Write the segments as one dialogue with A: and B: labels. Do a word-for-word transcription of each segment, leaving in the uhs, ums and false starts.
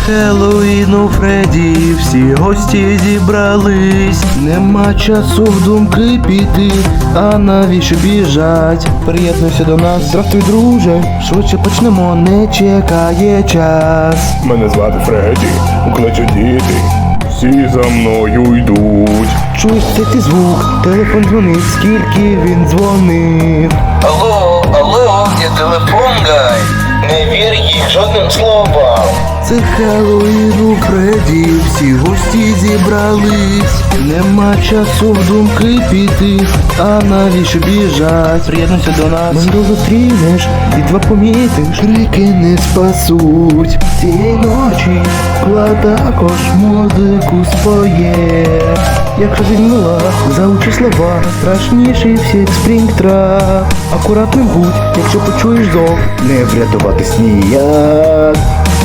A: Хеллоуін у Фредді, всі гості зібрались. Нема часу в думки піти, а навіщо біжать? Приєднуйся до нас, здравствуй, друже. Швидше почнемо, не чекає час.
B: Мене звати Фредді, кличуть діти, всі за мною йдуть.
A: Чуєш цей звук, телефон дзвонить, скільки він дзвонив.
C: Алло, алло, где телефон, гай? Не вір їх жодним словам.
A: Це Хеллоуін у Фредді, всі гості зібрались. Нема часу в думки піти, а навіщо біжать? Приєднуйся до нас, Менду зустрінеш, бідва помітиш, крики не спасуть. Цієї ночі клад також музику споє. Якщо зігнула, заучи слова, страшніший всіх Спрінгтрап. Акуратним будь, якщо почуєш зов, не врятуватись ніяк.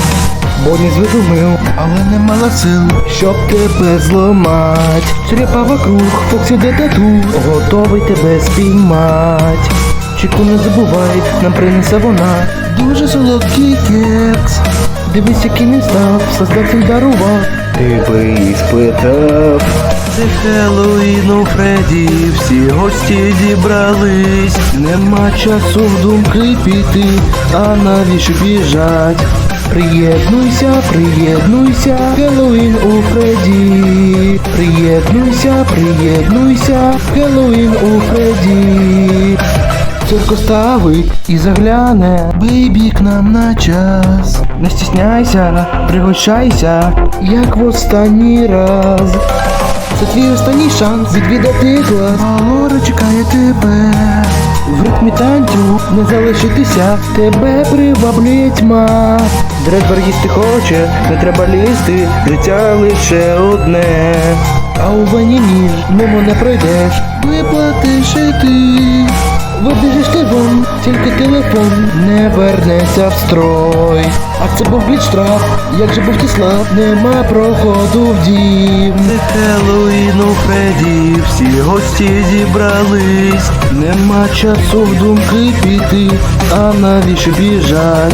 A: Бо не звидумив, але не мала сил, щоб тебе зламать. Черепа вокруг, Фоксі де тут, готовий тебе спіймать. Чеку не забувай, нам принесе вона дуже солодкий кекс. Дивись, яким він став, создатель дарував, ти би і спитав. Це Хеллоуін у Фредді, всі гості зібрались. Нема часу в думки піти, а навіщо біжать? Приєднуйся, приєднуйся, Хеллоуін у Фредді. Приєднуйся, приєднуйся, Хеллоуін у Фредді. Цирко ставить і загляне, бейбі к нам на час. Не стісняйся, пригощайся, як в останній раз. Це твій останній шанс відвідати клас. Лора чекає тебе. В ритмі танцю не залишитися, тебе приваблює тьма. Дредбер їсти хоче, не треба лізти, життя лише одне. А у вані ніж мимо не пройдеш, виплатиш і ти. Вибіжиш ти вон, тільки телефон не вернеться в строй. А це був бліч-штраф, як же був ти слаб, нема проходу в дім. Це Хеллоуін у Фредді, всі гості зібрались. Нема часу в думки піти, а навіщо біжать?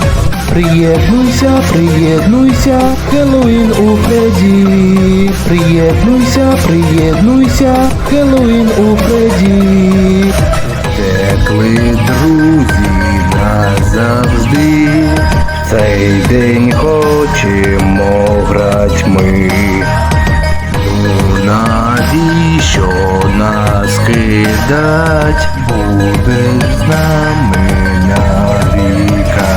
A: Приєднуйся, приєднуйся, Хеллоуін у Фредді. Приєднуйся, приєднуйся, Хеллоуін у Фредді. Текли друзі назавжди, в цей день хочемо грать ми. Ну навіщо нас кидать, будеш з нами навіка.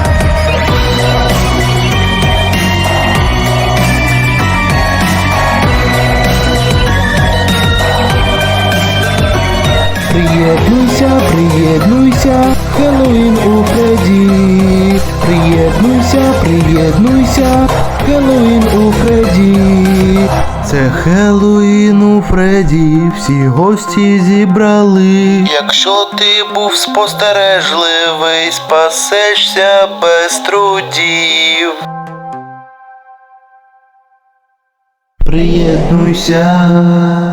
A: Приєднуйся, приєднуйся, Хеллоуін у Фредді. Приєднуйся, приєднуйся, Хеллоуін у Фредді. Це Хеллоуін у Фредді, всі гості зібрали.
C: Якщо ти був спостережливий, спасешся без трудів.
A: Приєднуйся.